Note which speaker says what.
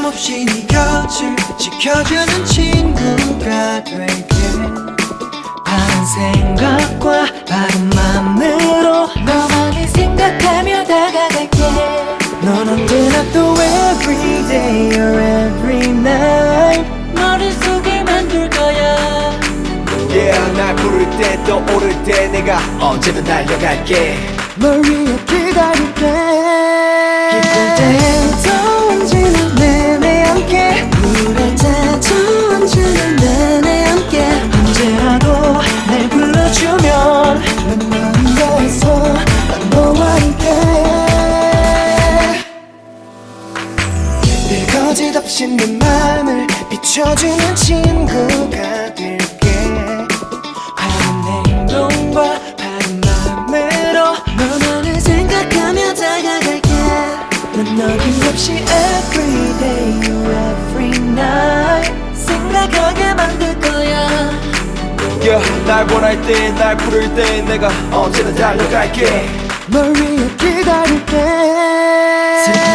Speaker 1: 변함없이 네 곁을 지켜주는 친구가 될게. 바른 생각과 바른 맘으로
Speaker 2: 너만을 생각하며 다가갈게.
Speaker 1: 넌 언제나 또 every day or every night
Speaker 2: 머릿속에 만들 거야.
Speaker 3: Yeah, 날 부를 때 또 오를 때 내가 언제든 달려갈게.
Speaker 1: 널 위해 기다릴게. 기쁠 때도 언제나 내내 함께,
Speaker 2: 우울할 때도 언제나 내내 함께.
Speaker 1: 언제라도 날 불러주면
Speaker 2: 난 너에서
Speaker 1: 난 너와 함께. 늘 거짓 없이 내 맘을 비춰주는 친구가 될게. 바른 행동과 바른 맘으로
Speaker 2: 너만을 생각하며 다가갈게.
Speaker 1: 난 어김없이 every day or every night
Speaker 2: 생각하게 만들 거야.
Speaker 3: Yeah, 날 원할 때 날 부를 때 내가 언제든 달려갈게.
Speaker 1: 널 위해 기다릴게.